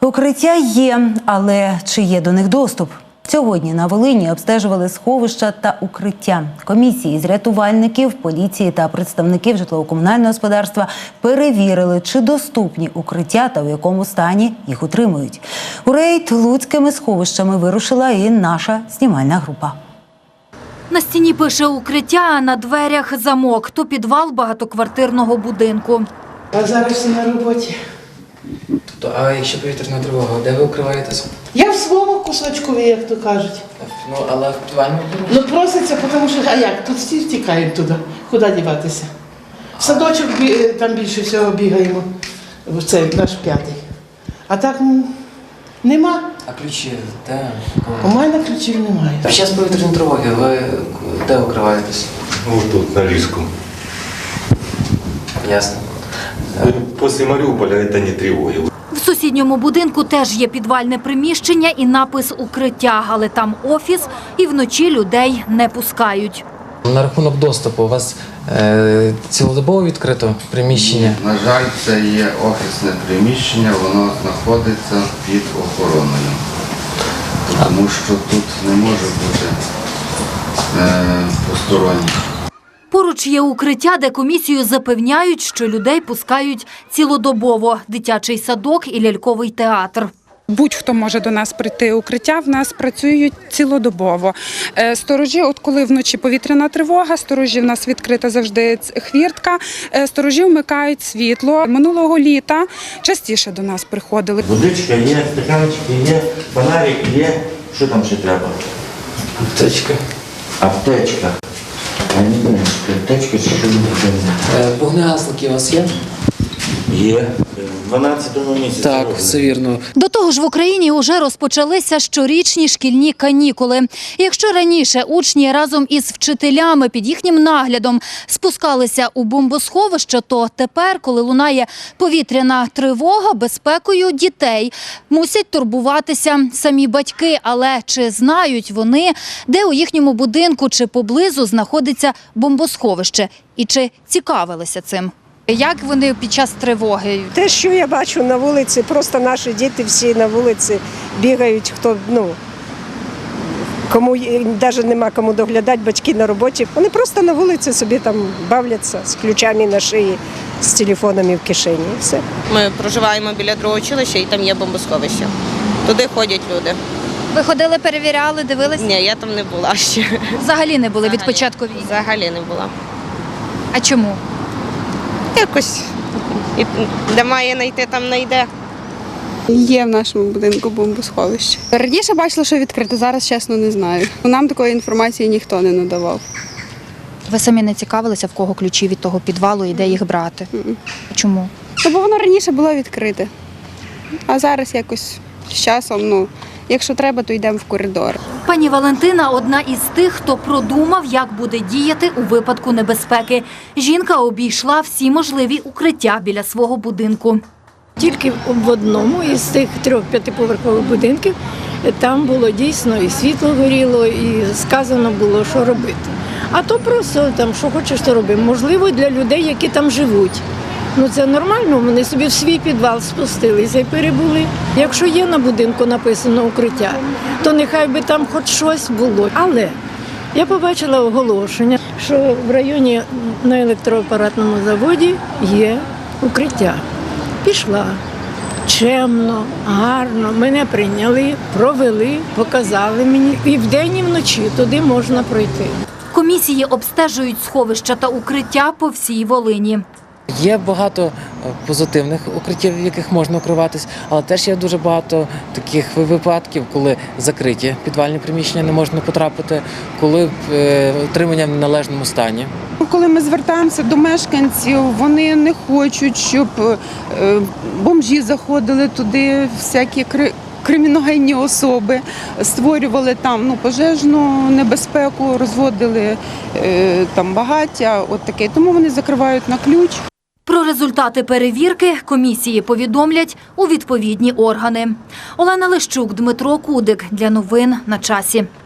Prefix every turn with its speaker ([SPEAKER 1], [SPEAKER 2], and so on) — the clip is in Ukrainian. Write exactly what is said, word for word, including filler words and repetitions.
[SPEAKER 1] Укриття є, але чи є до них доступ? Сьогодні на Волині обстежували сховища та укриття. Комісії з рятувальників, поліції та представників житлово-комунального господарства перевірили, чи доступні укриття та у якому стані їх утримують. У рейд луцькими сховищами вирушила і наша знімальна група.
[SPEAKER 2] На стіні пише «Укриття», а на дверях замок. То підвал багатоквартирного будинку.
[SPEAKER 3] А зараз всі на роботі.
[SPEAKER 4] Тобто, а якщо повітряна тривога, де ви укриваєтесь?
[SPEAKER 3] Я в своєму кусочку, як то кажуть.
[SPEAKER 4] Ну, але в підвальному приміщенні?
[SPEAKER 3] Ну проситься, тому що, а як, тут всі втікають туди, куди діватися. В садочок там більше всього бігаємо, в цей наш п'ятий. А так ну, нема.
[SPEAKER 4] А ключі де?
[SPEAKER 3] У мене ключів немає.
[SPEAKER 4] Під час повітряної тривоги ви де укриваєтесь?
[SPEAKER 5] Ну, тут, на Рижском.
[SPEAKER 4] Ясно.
[SPEAKER 5] После Мариуполя это не тревоги.
[SPEAKER 2] В сусідньому будинку теж є підвальне приміщення і напис «Укриття», але там офіс і вночі людей не пускають.
[SPEAKER 4] На рахунок доступу у вас е, цілодобово відкрито приміщення?
[SPEAKER 6] На жаль, це є офісне приміщення, воно знаходиться під охороною. Тому що тут не може бути е, посторонніх.
[SPEAKER 2] Поруч є укриття, де комісію запевняють, що людей пускають цілодобово – дитячий садок і ляльковий театр.
[SPEAKER 7] Будь-хто може до нас прийти. Укриття в нас працюють цілодобово. Сторожі, от коли вночі повітряна тривога, сторожі в нас відкрита завжди хвіртка, сторожі вмикають світло. Минулого літа частіше до нас приходили.
[SPEAKER 8] Водичка є, стаканчики є, фонарик є. Що там ще треба?
[SPEAKER 4] Аптечка.
[SPEAKER 8] Аптечка. А не знаю, аптечка чи що не
[SPEAKER 4] Е, вогнегасники у вас є?
[SPEAKER 8] є. В дванадцятому місяці.
[SPEAKER 4] Так, все вірно.
[SPEAKER 2] До того ж в Україні вже розпочалися щорічні шкільні канікули. І якщо раніше учні разом із вчителями під їхнім наглядом спускалися у бомбосховище, то тепер, коли лунає повітряна тривога, безпекою дітей мусять турбуватися самі батьки. Але чи знають вони, де у їхньому будинку чи поблизу знаходиться бомбосховище? І чи цікавилися цим? Як вони під час тривоги?
[SPEAKER 9] Те, що я бачу на вулиці, просто наші діти всі на вулиці бігають, хто, ну, кому навіть нема кому доглядати, батьки на роботі. Вони просто на вулиці собі там бавляться з ключами на шиї, з телефонами в кишені. І все.
[SPEAKER 10] Ми проживаємо біля другого училища і там є бомбосховище. Туди ходять люди.
[SPEAKER 2] Ви ходили, перевіряли, дивилися?
[SPEAKER 10] Ні, я там не була ще.
[SPEAKER 2] Взагалі не були від початку війни?
[SPEAKER 10] Взагалі не була.
[SPEAKER 2] А чому?
[SPEAKER 10] Якось, і де має знайти, там знайде.
[SPEAKER 7] Є в нашому будинку бомбосховище. Раніше бачила, що відкрито, зараз, чесно, не знаю. Нам такої інформації ніхто не надавав.
[SPEAKER 2] Ви самі не цікавилися, в кого ключі від того підвалу і де їх брати?
[SPEAKER 7] Mm-mm.
[SPEAKER 2] Чому?
[SPEAKER 7] Ну, бо воно раніше було відкрите, а зараз якось з часом, ну, якщо треба, то йдемо в коридор.
[SPEAKER 2] Пані Валентина – одна із тих, хто продумав, як буде діяти у випадку небезпеки. Жінка обійшла всі можливі укриття біля свого будинку.
[SPEAKER 11] Тільки в одному із тих трьох п'ятиповерхових будинків там було дійсно і світло горіло, і сказано було, що робити. А то просто там, що хочеш, то роби. Можливо, для людей, які там живуть. Ну це нормально, вони собі в свій підвал спустилися і перебули. Якщо є на будинку написано укриття, то нехай би там хоч щось було. Але я побачила оголошення, що в районі на електроапаратному заводі є укриття. Пішла чемно, гарно, мене прийняли, провели, показали мені. І вдень, і вночі туди можна пройти.
[SPEAKER 2] Комісії обстежують сховища та укриття по всій Волині.
[SPEAKER 4] Є багато позитивних укриттів, в яких можна укриватись, але теж є дуже багато таких випадків, коли закриті підвальні приміщення не можна потрапити, коли утримання в неналежному стані.
[SPEAKER 7] Коли ми звертаємося до мешканців, вони не хочуть, щоб бомжі заходили туди, всякі криміногенні особи, створювали там ну, пожежну небезпеку, розводили там багаття, от таке. Тому вони закривають на ключ.
[SPEAKER 2] Про результати перевірки комісії повідомлять у відповідні органи. Олена Лищук, Дмитро Кудик. Для новин на часі.